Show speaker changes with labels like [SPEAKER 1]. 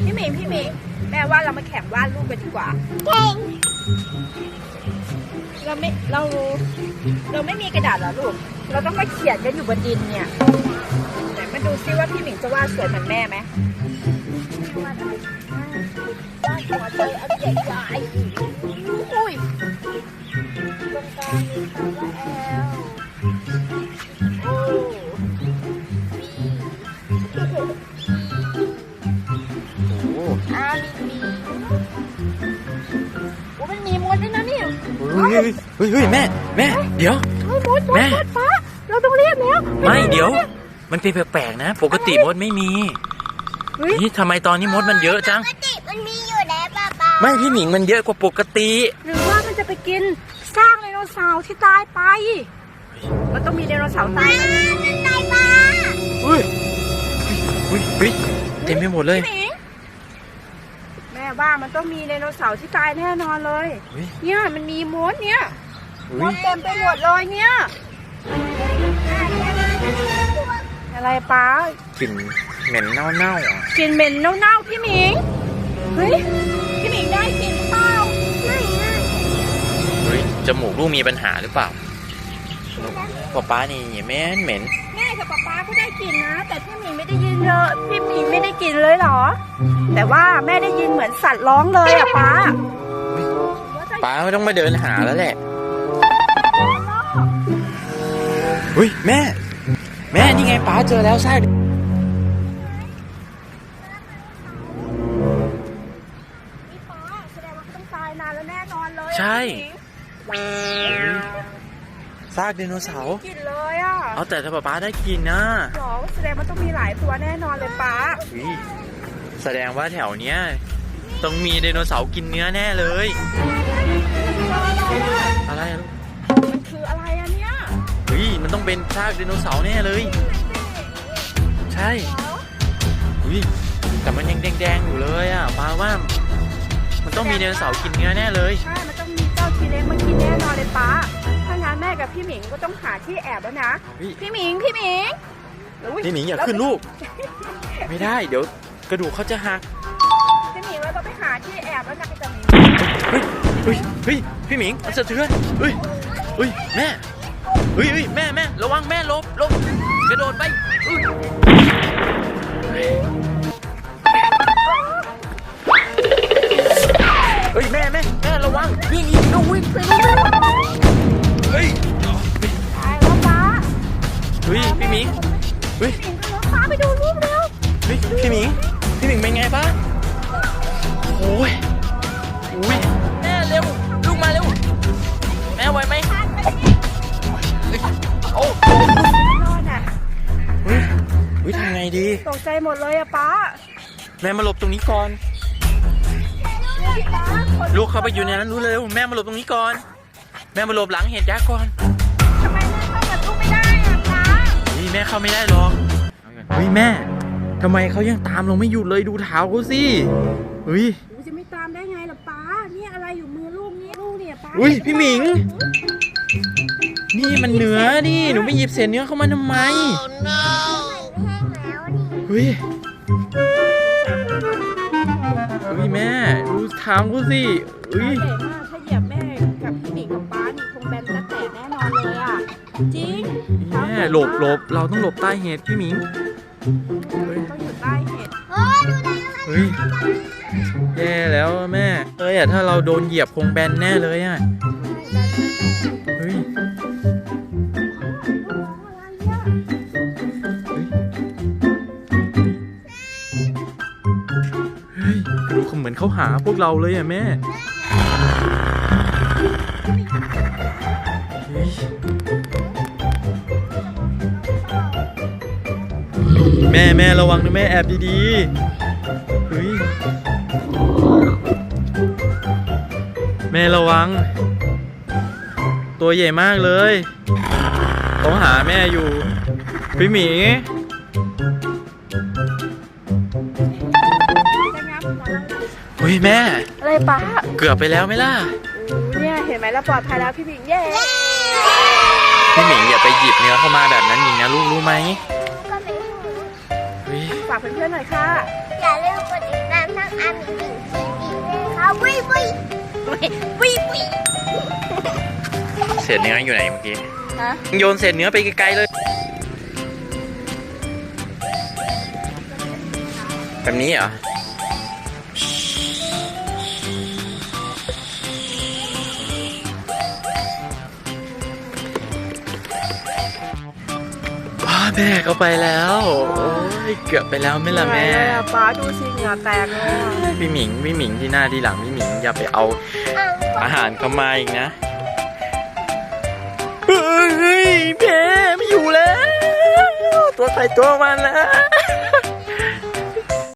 [SPEAKER 1] พี่หมิงแม่ว่าเรามาแข่งวาดรูปกันดีกว่า
[SPEAKER 2] เก่ง
[SPEAKER 1] เราไม่มีกระดาษเหรอลูกเราต้องมาเขียนกันอยู่บนดินเนี่ยไหนมาดูซิว่าพี่หมิงจะวาดสวยเหมือนแม่ไหมวาดหัวใจอันใหญ่ๆอุ้ยตรงกลางมีคำว่าแอลโอ้มีมันมีมดด้วยนะนี่
[SPEAKER 3] เฮ้ยแม่เดี๋ยว
[SPEAKER 1] มดฟ้าเราต้องเรียกแล้ว
[SPEAKER 3] ไม่เดี๋ยวมันเป็นแปลกๆนะปกติมดไม่มีนี่ทำไมตอนนี้มดมันเยอะจัง
[SPEAKER 2] ปกติมันมีอยู่แล้วป้า
[SPEAKER 3] ไม่พี่หมิงมันเยอะกว่าปกติ
[SPEAKER 1] หรือว่ามันจะไปกินซากไดโนเสาร์ที่ตายไปมันต้องมีไดโนเสาร์ตาย
[SPEAKER 2] ป้า
[SPEAKER 3] เฮ้ยเต็มไปหมดเลย
[SPEAKER 1] แม่ว่ามันต้องมีไดโนเสาร์ที่ตายแน่นอนเลยเนี่ยมันมีมดเนี่ยมดเต็มไปหมดเลยเนี่ยอะไรป้าก
[SPEAKER 3] ลิ่นเหม็นเน่าๆอ่ะ
[SPEAKER 1] กลิ่นเหม็นเน่าๆพี่หมิงเฮ้ยพี่หมิงได้กลิ่นเปล่า
[SPEAKER 3] เฮ้ยจมูกลูกมีปัญหาหรือเปล่าป้านี่เหม็น
[SPEAKER 1] แม่กับป้าก็ได้กลิ่นนะแต่พี่หมิงไม่ได้ยินเลยพี่หมิงไม่ได้กลิ่นเลยเหรอแต่ว่าแม่ได้ยินเหมือนสัตว์ร้องเลยอะป้า
[SPEAKER 3] ไม่ต้องมาเดินหาแล้วแหละเฮ้ยแม่นี่ไงป้าเจอแล้วใช่
[SPEAKER 1] แสดงว่าเขาต้องตายนานแล้วแน่นอนเลย
[SPEAKER 3] ใช่ซากไดโนเสาร์
[SPEAKER 1] กินเลยอ่ะ
[SPEAKER 3] เอาแต่ถ้าป้าได้กินนะ
[SPEAKER 1] หรอแสดงว่าต้องมีหลายตัวแน่นอนเลยป้า
[SPEAKER 3] แสดงว่าแถวเนี้ยต้องมีไดโนเสาร์กินเนื้อแน่เลยอะไรลูก
[SPEAKER 1] มันคืออะไรอะเนี่ย
[SPEAKER 3] มันต้องเป็นซากไดโนเสาร์แน่เลยใช่แต่มันยังแดงอยู่เลยอ่ะป้าว่ามันต้องมีไดโนเสาร์กินเนื้อแน่เลย
[SPEAKER 1] ใช่มันต้องมีเจ้าทีเล็กมากินแน่นอนเลยป้าถ้างั้นแม่กับพี่หมิงก็ต้องหาที่แอบแล้วนะพี่หมิง
[SPEAKER 3] อย่าขึ้นลูกไม่ได้เดี๋ยวกระดูกเขาจะหัก
[SPEAKER 1] พี่หมิงเราต้องไปหาที่แอบแล้วนะจะมี
[SPEAKER 3] พี่หมิงสะเทือนแม่แม่ระวังแม่ลบกระโดดไปแม่ระวังวิ่งอีกน้องวิ่งไปตาย
[SPEAKER 1] แล้วป้า
[SPEAKER 3] พี่หมิง
[SPEAKER 1] ป้าไปดูรูปเร็ว
[SPEAKER 3] พี่หมิงเป็นไงป้าโอ้ยแม่เร็วลูกมาเร็วแม่ไหวไหมโอ้ทำไงดี
[SPEAKER 1] ตกใจหมดเลยอะป้า
[SPEAKER 3] แม่มาหลบตรงนี้ก่อนลูกเข้าไปอยู่ในนั้นรู้เร็วแม่มาหลบตรงนี้ก่อนแม่มาหลบหลังเห็ดยักษ์ก่อน
[SPEAKER 1] ทำไมแม่เข้ากับลูกไม่ได้อะป้า
[SPEAKER 3] แม่เข้าไม่ได้หรอกแม่ทำไมเขายังตามเราไม่หยุดเลยดูเท้าเขาสิ
[SPEAKER 1] จะไม่ตามได้ไงล่ะป้าเนี่ยอะไรอยู่มือลูกเนี่ยป้า
[SPEAKER 3] พี่หมิงนี่มันเนื้อนี่หนูไม่หยิบเศษเนื้อเข้ามาทำไมแม่ดูเท้าเขาสิ
[SPEAKER 1] ใหญ่มากถ้าเหยียบแม่กับพี่หมิงกับป้านี่คงแบนและแตกแน่นอนเลยอ่ะจริง
[SPEAKER 3] แม่หลบเราต้องหลบใต้เห็ดพี่หมิง
[SPEAKER 1] ต้องอยู่ใต้เห็ด
[SPEAKER 3] แย่แล้วแม่ถ้าเราโดนเหยียบคงแบนแน่เลยอ่ะดูเหมือนเขาหาพวกเราเลยอ่ะแม่แม่ระวังนะแม่แอบดีๆแม่ระวังตัวใหญ่มากเลยเขาหาแม่อยู่พี่หมีแม่
[SPEAKER 1] อะไรป้า
[SPEAKER 3] เกือบไปแล้วไหมล่ะ
[SPEAKER 1] เนี่ยเห็นไหมเราปลอดภัยแล้วพี่หมิง
[SPEAKER 3] พี่หมิงอย่าไปหยิบเนื้อเข้ามาแบบนั้นอีกนะลูกรู้ไหม
[SPEAKER 1] ฝากเพื่อนๆหน่อยค่ะ
[SPEAKER 2] อย่าลืมกดติดตามช่องอามีหนึ่งทีเลยค่ะวิวิ
[SPEAKER 1] วิวิ
[SPEAKER 3] เศษเนื้ออยู่ไหนเมื่อกี้
[SPEAKER 1] ฮะ
[SPEAKER 3] โยนเศษเนื้อไปไกลๆเลยแบบนี้เหรอแม่เขาไปแล้วโอ้ยเกือบไปแล้วไม่ละแม่
[SPEAKER 1] ป้าดูสิเหงื่อแตกเลย
[SPEAKER 3] พี่หมิงที่หน้าที่หลังพี่หมิงอย่าไปเอาอาหารเข้ามาอีกนะเฮ้ยแม่ไม่อยู่แล้วตัวใครตัวมันแล้ว